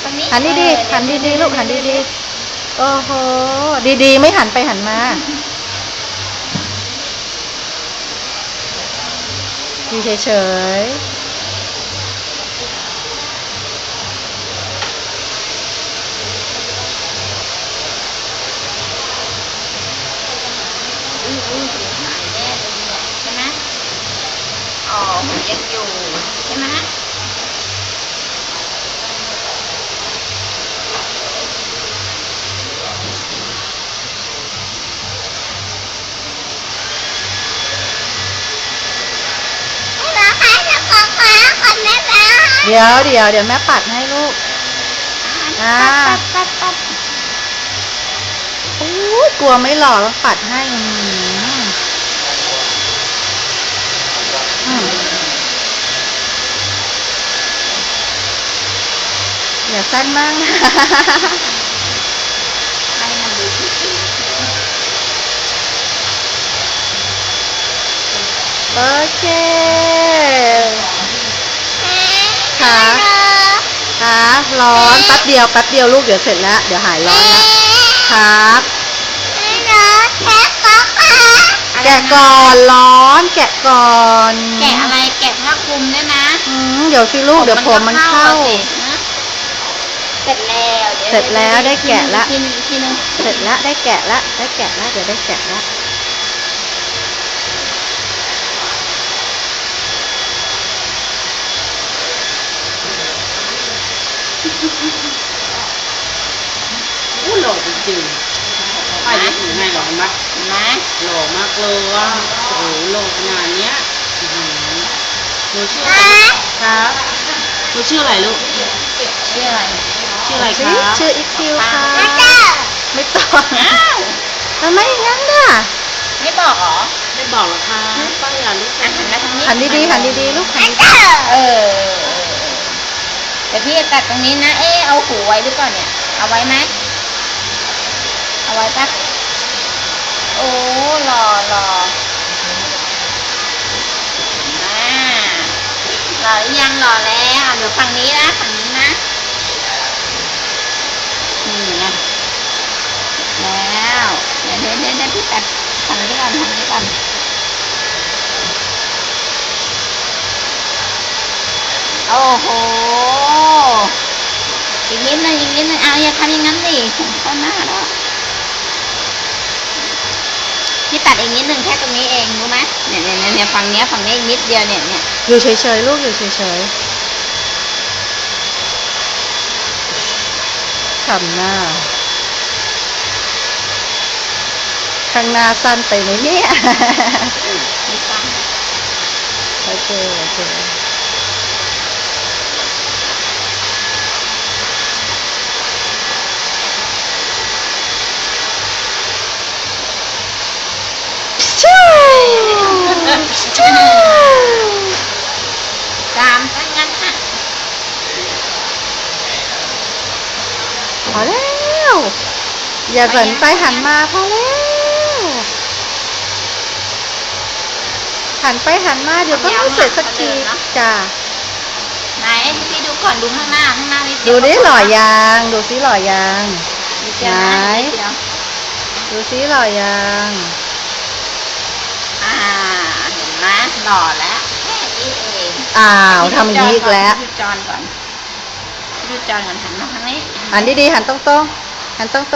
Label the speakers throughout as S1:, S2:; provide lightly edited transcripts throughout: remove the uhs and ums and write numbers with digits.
S1: ตรงนี้
S2: หันดีๆหันดีๆลูกหันดีๆโอ้โหดีๆไม่หันไปหันมาอยู่เฉย
S1: หายแน่เลยเนี่ยใช่ไหมอ๋อมันยังอยู่ใช่ไหม
S2: ๆเดี๋ยวแม่ปัดให้ลูก
S1: ปัด
S2: โอ้ยกลัวไม่หล่อต้องปัดให้อย่าสั้นมากนะ
S1: ให้มันดูดี
S2: โอเคค่ะร้อนแป๊บเดียวลูกเดี๋ยวเสร็จแล้วเดี๋ยวหายร้อนแล้วครับแกะก่อนร้อนแกะก่อน
S1: แกะอะไรแกะผ้าคลุมได้ไหม
S2: เดี๋ยวสิลูกเดี๋ยวผมมันเข้า
S1: เสร็จ
S2: แล้วได้แกะละ
S1: ทีนึง
S2: เสร็จแล้วได้แกะละเดี๋ยวได้แกะละ
S3: อู้หล่อจริงๆป้ายถือให้หล่อมากหล่อมากเลยว่าโอ้โหหล่อขนาดเนี้ยหนูชื่ออะไรครับหนูชื่ออะไรลูก
S1: ชื่ออะไร
S3: ครับ
S2: ชื่ออีคิวค่ะไม่ตอบทำไมงั้นล่ะ
S1: ไม่บอกหรอ
S3: ไม่บอกหรอคะป้าอยากรู้จัก
S2: หันดีลูกหัน
S1: เดี๋ยวพี่จะตัดตรงนี้นะเอาหูไว้หรือเปล่าเนี่ยเอาไว้ไหมเอาไว้ปะโอ้หล่อหล่อหรือยังหล่อแล้วเดี๋ยวฝั่งนี้นะนี่ไงแล้วเดี๋ยวพี่ตัดฝั่งนี้ก่อนโอ้โหอีกนิดนึงเอาอย่าทำอย่างนั้นดิเข้าหน้าแล้วพี่ตัดอีกนิดนึงแค่ตรงนี้เองรู้ไหมเนี่ยฝั่งนี้อีกนิดเดียวเนี่ย
S2: อยู่เฉยๆลูกอยู่เฉยๆทำหน้าข้างหน้าสั้นไปไหมเนี่ย
S1: ไม่สั้น
S2: โอเค
S1: ตามซะงั้นค่ะ
S2: พอแล้วอย่าสนใจหันมาพอแล้วหันไปหันมาเดี๋ยวก็ไม่เสร็จสักทีจ้า
S1: ไหนพี่ดูก่อนดูข้างหน้านิดเดียว
S2: ดูดิหล่อยางดูซิหล่อยางไหนดูซิหล่อยาง
S1: เห็นไหมหล่อแล้วแค่นี้เอง
S2: ทำอย่างนี้อีกแล้ว
S1: ดูจอนก่อนหันมาทางนี้
S2: หันดีๆหันตรง
S1: จอน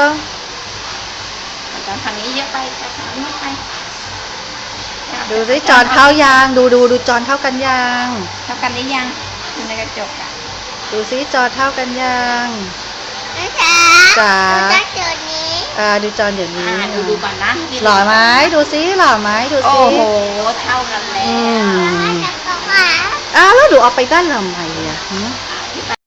S1: ทางนี้เยอะไปทางนี้ไป
S2: ดูสิจอนเท่ายางดูจอนเท่ากันยาง
S1: หรือยังดูในกระจก
S2: ดูสิจอนเท่ากันยาง
S1: จ๋า
S2: ดูจอนเดี๋ยวนี้
S1: ดูก่อนนะ
S2: หล่อไหมดูสิหล่อไหมดูสิ
S1: โอ้โหเท่ากันแล้ว
S2: แล้วดูเอาไปด้านทำไม